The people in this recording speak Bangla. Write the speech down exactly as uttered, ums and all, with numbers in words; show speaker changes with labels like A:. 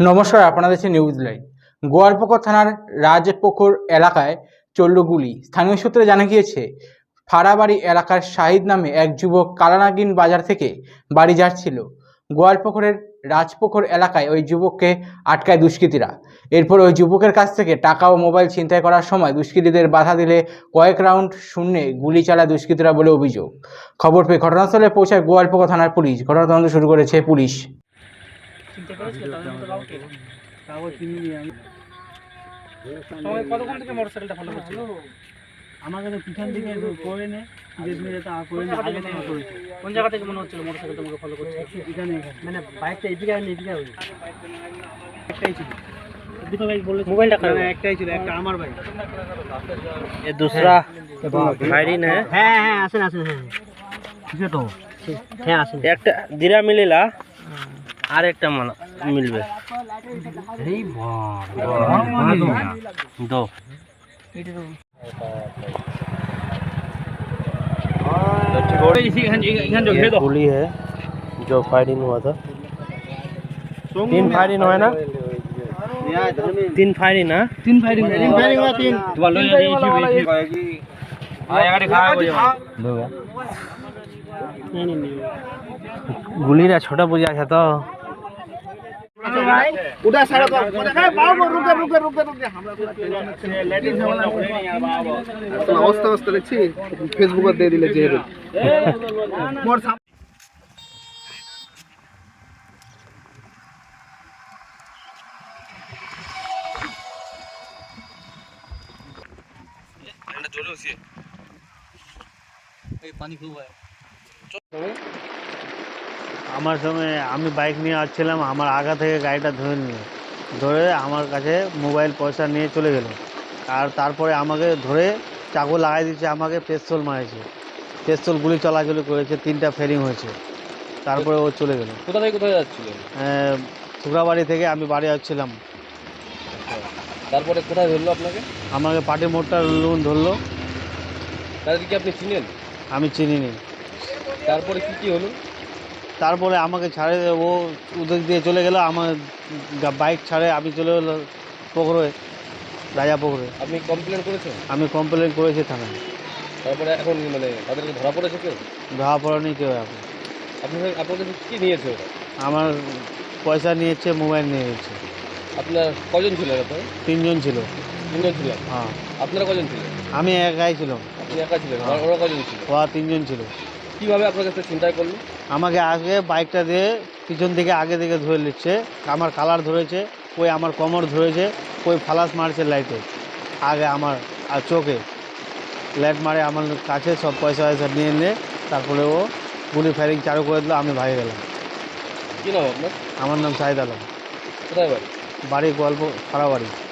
A: নমস্কার, আপনারা দেখছেন নিউজ লাইভ। গোয়ালপুকুর থানার রাজপুকুর এলাকায় চলল গুলি। স্থানীয় সূত্রে জানা গিয়েছে, ফাড়াবাড়ি এলাকার শাহিদ নামে এক যুবক কালানাগিন বাজার থেকে বাড়ি যাচ্ছিল। গোয়ালপুকুরের রাজপুকুর এলাকায় ওই যুবককে আটকায় দুষ্কৃতীরা। এরপর ওই যুবকের কাছ থেকে টাকা ও মোবাইল ছিনতাই করার সময় দুষ্কৃতীদের বাধা দিলে কয়েক রাউন্ড শূন্যে গুলি চালায় দুষ্কৃতীরা বলে অভিযোগ। খবর পেয়ে ঘটনাস্থলে পৌঁছায় গোয়ালপুকুর থানার পুলিশ। ঘটনা তদন্ত শুরু করেছে পুলিশ।
B: কতক্ষণ থেকে মোটরসাইকেলটা ফলো করছিল?
C: আমাকে তো পিছন দিকে করে নে ধীরে ধীরে তা করে নে আগে থেকে করেছে।
B: কোন জায়গা থেকে মনে হচ্ছিল মোটরসাইকেল তোমাকে ফলো করছে?
C: এখানে
B: মানে বাইকটা এদিকে আর এদিকে আর
C: একটাই ছিল,
B: দুটো বাইক বলে মোবাইলটা খারাপ
C: একটাই ছিল, একটা আমার বাইক।
B: ये दूसरा फायरिंग है।
C: হ্যাঁ হ্যাঁ আসেন আসেন হ্যাঁ কিছু তো
B: হ্যাঁ আসেন একটা দিরা মিলিলা আর একটা মানা মিলবে
C: এই বাবা
B: दो गोली है जो फायरिंग हुआ था। तीन फायरिंग हुआ है ना? तीन फायरिंग ना?
C: তিন ফায়ারিং তিন ফায়ারিং हुआ तीन
B: गुलीरा छोटा बुझा है तो
C: उधर सारा तो है बाबू रुके रुके रुके रुके हमरा लेडीज वाला तो अवस्था अवस्था দেখছি ফেসবুকে দিয়ে দিলে যে মোর
D: আমার সঙ্গে আমি বাইক নিয়ে আসছিলাম, আমার আগা থেকে গাড়িটা ধরে নিয়ে ধরে আমার কাছে মোবাইল পয়সা নিয়ে চলে গেল। আর তারপরে আমাকে ধরে চাকু লাগাই দিচ্ছে, আমাকে পেস্তল মারেছে, পেস্তল গুলি চলাচলি করেছে, তিনটা ফেরিং হয়েছে। তারপরে ও চলে গেল।
B: কোথা থেকে কোথায় যাচ্ছিল?
D: শুক্রাবাড়ি থেকে আমি বাড়ি আসছিলাম।
B: তারপরে কোথায় ধরলো আপনাকে?
D: আমাকে পাটি মোড়টা লোন ধরলো।
B: তাদেরকে আপনি চিনেন?
D: আমি চিনিনি।
B: তারপরে কি কি হলো?
D: তারপরে আমাকে ছাড়ে ও ওদের দিয়ে চলে গেল, আমার বাইক ছাড়ে আমি চলে গেলো পুকুরে, রাজা পুকুরে।
B: আপনি কমপ্লেন করেছেন?
D: আমি কমপ্লেন করেছি থানায়।
B: তারপরে এখন মানে তাদেরকে ধরা পড়েছে কেউ?
D: ধরা পড়েনি কেউ এখন।
B: আপনি আপনাদের কী নিয়েছে ওরা?
D: আমার পয়সা নিয়েছে, মোবাইল নিয়ে নিয়েছে।
B: আপনার কজন ছিলেন? আপনার
D: তিনজন ছিল।
B: তিনজন ছিলেন?
D: হ্যাঁ।
B: আপনারা কজন ছিলেন?
D: আমি একাই ছিলাম।
B: আপনি একা ছিলেন? আর ওরা কজন ছিল?
D: ওরা তিনজন ছিল।
B: কীভাবে আপনার কাছে চিন্তাই করলো?
D: আমাকে আগে বাইকটা দিয়ে পিছন থেকে আগে থেকে ধরে নিচ্ছে, আমার কালার ধরেছে, ওই আমার কোমর ধরেছে, ওই ফালাস মারছে লাইটে আগে আমার আর চোখে লাইট মারে আমার কাছে, সব পয়সা পয়সা নিয়ে নিয়ে তারপরে ও গুলি ফায়ারিং চালু করে দিল। আমি ভাগে গেলাম।
B: কী নাম আপনার?
D: আমার নাম শাহিদ আলম।
B: কোথায় বাড়ি?
D: বাড়ি গল্প ফাড়াবাড়ি।